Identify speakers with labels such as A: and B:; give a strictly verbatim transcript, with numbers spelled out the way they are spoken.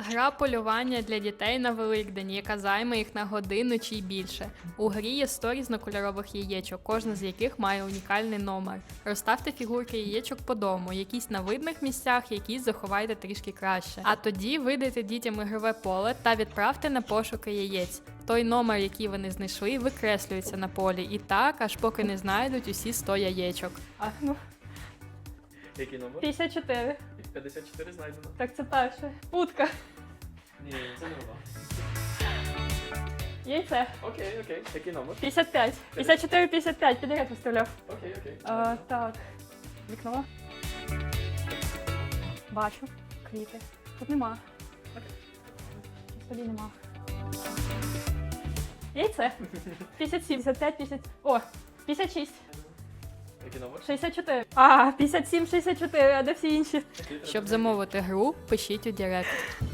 A: Гра полювання для дітей на Великдень, яка займе їх на годину чи й більше. У грі є сто різнокольорових яєчок, кожна з яких має унікальний номер. Розставте фігурки яєчок по дому, якісь на видних місцях, якісь заховайте трішки краще. А тоді видайте дітям ігрове поле та відправте на пошуки яєць. Той номер, який вони знайшли, викреслюється на полі. І так, аж поки не знайдуть усі сто яєчок.
B: А, ну,
C: Який номер?
B: п'ятдесят чотири.
C: п'ятдесят чотири знайдено.
B: Так це перше. Утка.
C: Ні, це не вона.
B: Яйце.
C: Окей, окей. Який номер?
B: п'ятдесят п'ять. п'ятдесят чотири, п'ятдесят п'ять. Підряд виставляв.
C: Окей, окей.
B: А, так. Вікно. Бачу. Квіти. Тут нема.
C: Окей.
B: Тоді нема. Яйце. п'ятдесят сім, п'ятдесят п'ять, п'ятдесят... О, п'ятдесят шість.
C: Який номер?
B: шістдесят чотири. А, п'ятдесят сім, шістдесят чотири, а де всі інші?
C: Який треба
A: Щоб
C: знайти?
A: замовити гру, пишіть у Директ.